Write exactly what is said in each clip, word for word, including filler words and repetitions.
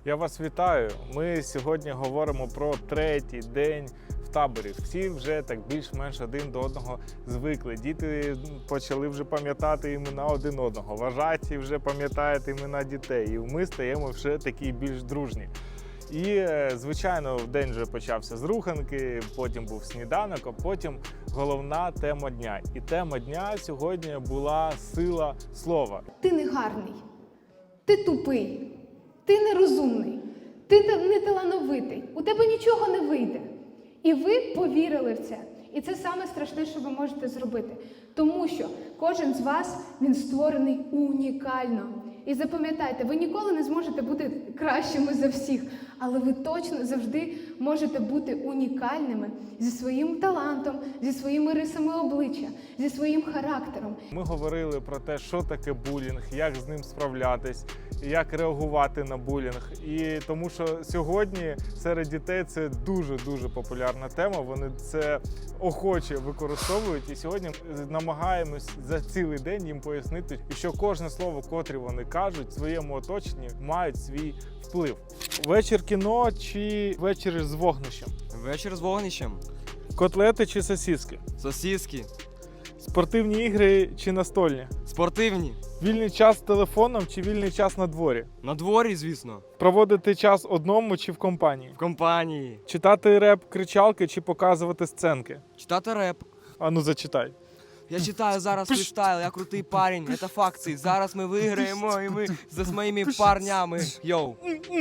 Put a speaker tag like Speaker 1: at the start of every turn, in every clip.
Speaker 1: Я вас вітаю. Ми сьогодні говоримо про третій день в таборі. Всі вже так більш-менш один до одного звикли. Діти почали вже пам'ятати імена один одного. Вважаті вже пам'ятають імена дітей. І ми стаємо вже такі більш дружні. І, звичайно, день вже почався з руханки, потім був сніданок, а потім головна тема дня. І тема дня сьогодні була сила слова.
Speaker 2: Ти не гарний, ти тупий, ти нерозумний, ти та- не талановитий, у тебе нічого не вийде. І ви повірили в це. І це саме страшне, що ви можете зробити. Тому що кожен з вас, він створений унікально. І запам'ятайте, ви ніколи не зможете бути кращими за всіх, але ви точно завжди можете бути унікальними зі своїм талантом, зі своїми рисами обличчя, зі своїм характером.
Speaker 1: Ми говорили про те, що таке булінг, як з ним справлятись, як реагувати на булінг. І тому що сьогодні серед дітей це дуже-дуже популярна тема, вони це охоче використовують. І сьогодні ми намагаємось за цілий день їм пояснити, що кожне слово, котрі вони кажуть, в своєму оточенні мають свій вплив. Вечір кіно чи вечір з вогнищем?
Speaker 3: Вечір з вогнищем.
Speaker 1: Котлети чи сосиски?
Speaker 3: Сосиски.
Speaker 1: Спортивні ігри чи настольні?
Speaker 3: Спортивні.
Speaker 1: Вільний час з телефоном чи вільний час на дворі?
Speaker 3: На дворі, звісно.
Speaker 1: Проводити час одному чи в компанії?
Speaker 3: В компанії.
Speaker 1: Читати реп, кричалки чи показувати сценки?
Speaker 3: Читати реп.
Speaker 1: А ну зачитай.
Speaker 3: Я читаю зараз фрістайл, я крутий парень, це факти. Зараз ми виграємо і ми з моїми парнями. Йоу.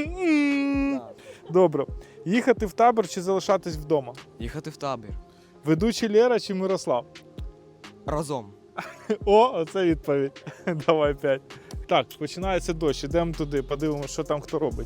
Speaker 1: Добре. Їхати в табір чи залишатись вдома?
Speaker 3: Їхати в табір.
Speaker 1: Ведучий Лера чи Мирослав?
Speaker 3: Разом.
Speaker 1: О, оце відповідь. Давай п'ять. Так, починається дощ. Ідемо туди, подивимося, що там хто робить.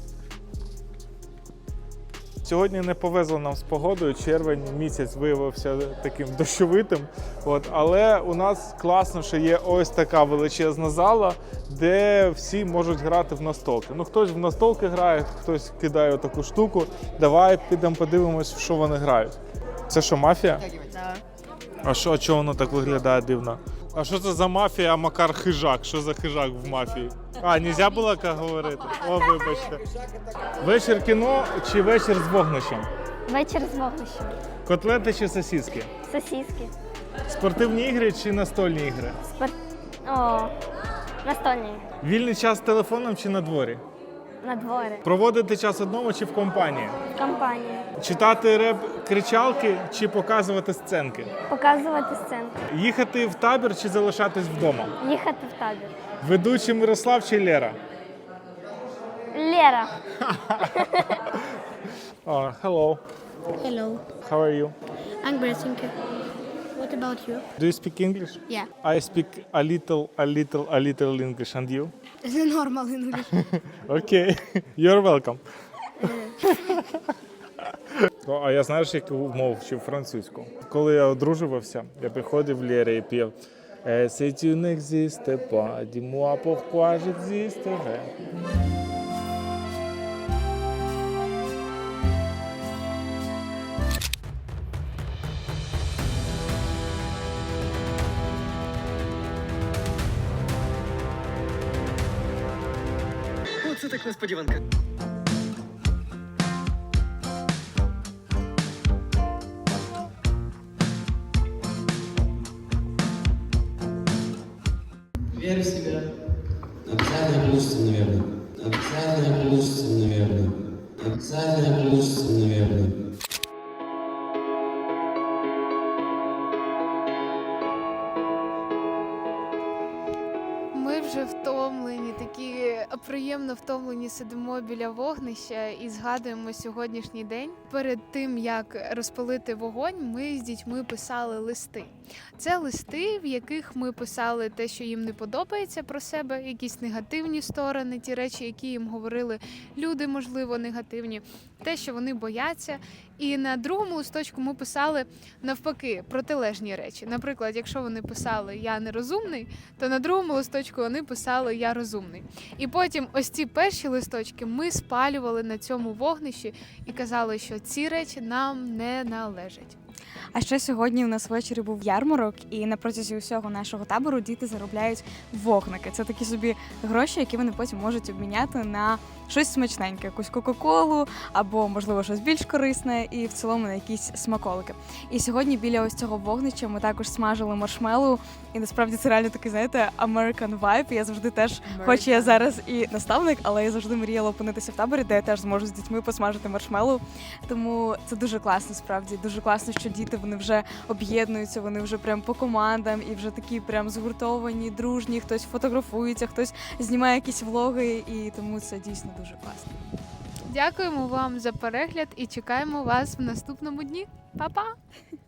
Speaker 1: Сьогодні не повезло нам з погодою, червень місяць виявився таким дощовитим. От, але у нас класно, що є ось така величезна зала, де всі можуть грати в настолки. Ну, хтось в настолки грає, хтось кидає таку штуку. Давай підемо подивимось, в що вони грають. Це що, мафія?
Speaker 4: Так.
Speaker 1: А що, а чого воно так виглядає дивно? А що це за мафія, а Макар хижак? Що за хижак в мафії? А, нельзя було так говорити? О, вибачте. Вечір кіно чи вечір з вогнищем?
Speaker 4: Вечір з вогнищем.
Speaker 1: Котлети чи сосиски?
Speaker 4: Сосиски.
Speaker 1: Спортивні ігри чи настольні ігри?
Speaker 4: Спорт... О, настольні.
Speaker 1: Вільний час з телефоном чи на дворі?
Speaker 4: На дворі.
Speaker 1: Проводити час одному чи в компанії?
Speaker 4: В компанії.
Speaker 1: Читати реп кричалки чи показувати сценки?
Speaker 4: Показувати сценку.
Speaker 1: Їхати в табір чи залишатись вдома?
Speaker 4: Їхати в табір.
Speaker 1: Ведучий Мирослав чи Лера?
Speaker 4: Лера.
Speaker 1: Oh, hello.
Speaker 5: Hello,
Speaker 1: How are you?
Speaker 5: I'm great, thank you. What about you?
Speaker 1: Do you speak English?
Speaker 5: Yeah,
Speaker 1: I speak a little, a little, a little English. And you?
Speaker 5: normal English.
Speaker 1: Okay. You're welcome. О, а я знаєш, яку мову вчив французьку? Коли я одружувався, я приходив в Лєрі і пів «Eh, si tu n'existes pas, dis-moi pourquoi j'existerais».
Speaker 3: Оце так несподіванка.
Speaker 6: Верь в себя. Обязательно получится, наверное. Обязательно получится, наверное. Обязательно получится, наверное.
Speaker 2: Ми вже втомлені, такі приємно втомлені, сидимо біля вогнища і згадуємо сьогоднішній день. Перед тим, як розпалити вогонь, ми з дітьми писали листи. Це листи, в яких ми писали те, що їм не подобається про себе, якісь негативні сторони, ті речі, які їм говорили люди, можливо, негативні, те, що вони бояться. І на другому листочку ми писали навпаки протилежні речі. Наприклад, якщо вони писали «я нерозумний», то на другому листочку вони писали «я розумний». І потім ось ці перші листочки ми спалювали на цьому вогнищі і казали, що ці речі нам не належать.
Speaker 7: А ще сьогодні у нас ввечері був ярмарок, і на протязі усього нашого табору діти заробляють вогники. Це такі собі гроші, які вони потім можуть обміняти на щось смачненьке, якусь кока-колу або, можливо, щось більш корисне, і в цілому на якісь смаколики. І сьогодні біля ось цього вогнища ми також смажили маршмеллоу, і насправді це реально такий, знаєте, American vibe. Я завжди теж, хоч я зараз і наставник, але я завжди мріяла опинитися в таборі, де я теж зможу з дітьми посмажити маршмеллоу. Тому це дуже класно, справді. Дуже класно, що діти, вони вже об'єднуються, вони вже прям по командам і вже такі прям згуртовані, дружні, хтось фотографується, хтось знімає якісь влоги, і тому це дійсно дуже класно.
Speaker 2: Дякуємо вам за перегляд і чекаємо вас в наступному дні. Па-па!